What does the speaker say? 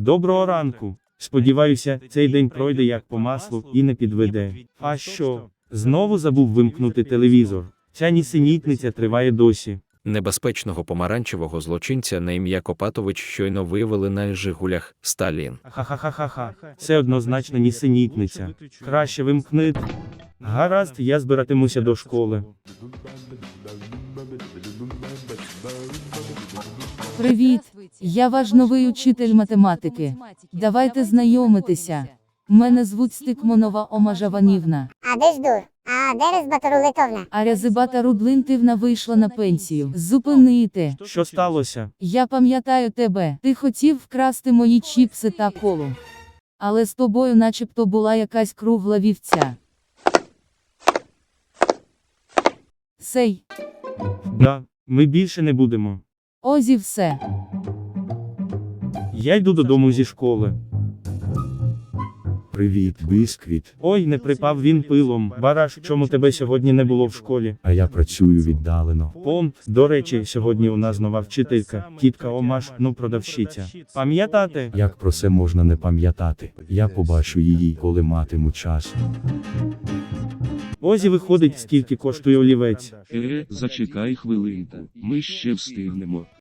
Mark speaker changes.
Speaker 1: Доброго ранку. Сподіваюся, цей день пройде як по маслу і не підведе. А що? Знову забув вимкнути телевізор. Ця нісенітниця триває досі.
Speaker 2: Небезпечного помаранчевого злочинця на ім'я Копатович щойно виявили на «Жигулях» Сталін.
Speaker 1: Ха-ха-ха-ха-ха. Це однозначно нісенітниця. Краще вимкни. Гаразд, я збиратимуся до школи.
Speaker 3: Привіт, я ваш новий учитель математики. Давайте знайомитися. Мене звуть Стикмонова Ома Жаванівна.
Speaker 4: А де ж дур? А де Резбата Рулетовна?
Speaker 3: А Рязибата Рудлинтівна вийшла на пенсію. Зупинити.
Speaker 1: Що сталося?
Speaker 3: Я пам'ятаю тебе. Ти хотів вкрасти мої чіпси та колу. Але з тобою начебто була якась кругла вівця. Сей.
Speaker 1: Да, ми більше не будемо.
Speaker 3: Ось і все.
Speaker 1: Я йду додому зі школи.
Speaker 5: Привіт, Бісквіт.
Speaker 1: Ой, не припав він пилом. Бараш, чому тебе сьогодні не було в школі?
Speaker 5: А я працюю віддалено.
Speaker 1: До речі, сьогодні у нас нова вчителька, тітка Омаш, ну продавщиця. Пам'ятати?
Speaker 5: Як про це можна не пам'ятати? Я побачу її, коли матиму час.
Speaker 1: Ось і виходить, скільки коштує олівець.
Speaker 6: Зачекай хвилинку, ми ще встигнемо.